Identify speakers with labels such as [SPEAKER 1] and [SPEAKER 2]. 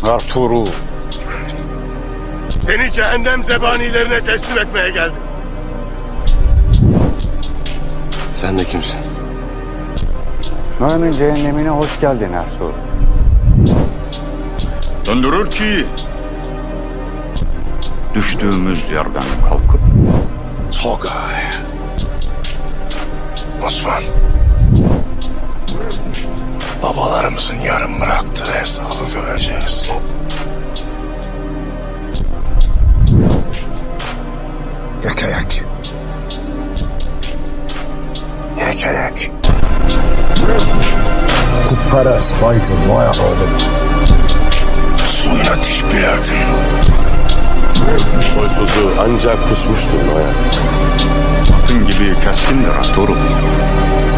[SPEAKER 1] Arturo.
[SPEAKER 2] Seni cehennem zebanilerine teslim etmeye geldim.
[SPEAKER 3] Sen de kimsin?
[SPEAKER 1] Noyan'ın cehennemine hoş geldin Arturo.
[SPEAKER 4] Döndürür ki düştüğümüz yerden kalkıp.
[SPEAKER 3] Togay. Osman. Babalarımızın yarım bıraktığı hesabı göreceğiz. Yekeyek. Yekeyek.
[SPEAKER 5] Kutperest Baycun Noyanoğlu.
[SPEAKER 3] Suyuna diş bilerdin.
[SPEAKER 2] Soysuzu ancak kusmuştur Noyan.
[SPEAKER 4] Atın gibi keskindir Arturo.